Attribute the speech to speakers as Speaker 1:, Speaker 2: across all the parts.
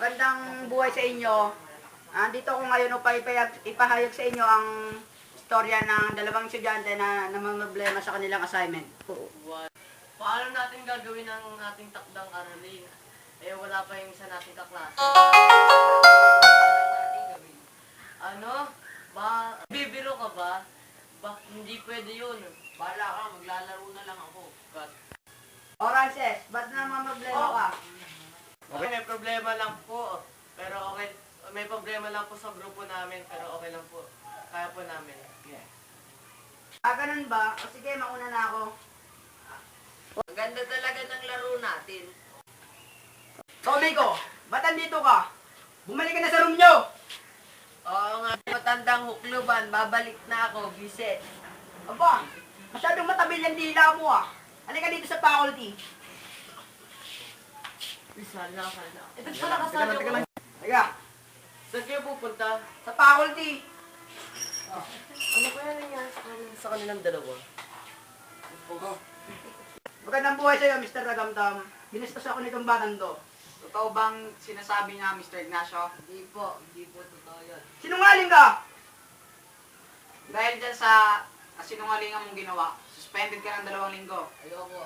Speaker 1: Magandang buhay sa inyo. Dito ko ngayon upang ipahayag sa inyo ang istorya ng dalawang estudyante na namamroblema sa kanilang assignment.
Speaker 2: Paano natin gagawin ang ating takdang aralin? Wala pa yung isa nating kaklase. Ano? Bibiro ka ba? Hindi pwede yun.
Speaker 3: Bala ka, maglalaro na lang ako.
Speaker 1: Orances, ba't namamroblema ka?
Speaker 2: Okay, may problema lang po. Pero okay, may problema lang po sa grupo namin. Pero okay lang po. Kaya po namin.
Speaker 1: Ganun ba? O sige, mauna na ako.
Speaker 3: Ang ganda talaga ng laro natin.
Speaker 1: Tommy ko, ba't andito ka? Bumalik ka na sa room nyo!
Speaker 3: Oo nga, matandang hukluban, babalik na ako, visit.
Speaker 1: Aba, masyadong matabil yung dila mo ah. Halika dito sa faculty.
Speaker 2: Sana. Ito pala kasali ko.
Speaker 1: Halika,
Speaker 2: Saan kayo pupunta?
Speaker 1: sa faculty.
Speaker 2: Ano kaya nangyari sa kanilang dalawa?
Speaker 1: Magandang buhay sa'yo, Mr. Ragamdam. Binistas ako nitong batang to.
Speaker 4: Totoo bang sinasabi niya, Mr. Ignacio?
Speaker 3: Hindi po totoo yun.
Speaker 1: Sinungaling ka!
Speaker 4: Dahil dyan sa kasinungalingan mong ginawa, suspended ka ng 2 linggo.
Speaker 3: Ayoko.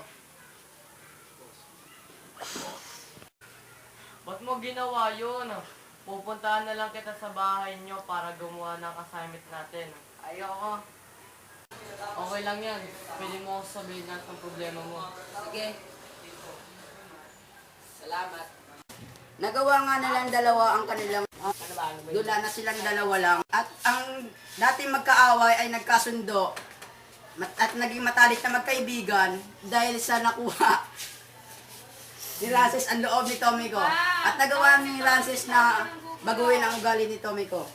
Speaker 2: Ba't mo ginawa yun? Pupuntahan na lang kita sa bahay nyo para gumawa ng assignment natin.
Speaker 3: Ayoko.
Speaker 2: Okay lang yan. Pwede mo ako sabihin lahat ng problema mo.
Speaker 3: Sige. Salamat.
Speaker 1: Nagawa nga nilang dalawa ang kanilang
Speaker 3: Ano ba?
Speaker 1: dula na silang dalawa lang. At ang dating magkaaway ay nagkasundo. At naging matalik na magkaibigan dahil sa nakuha ni Francis ang loob ni Tommy ko. At nagawa ni Francis na baguhin ang ugali ni Tommy ko.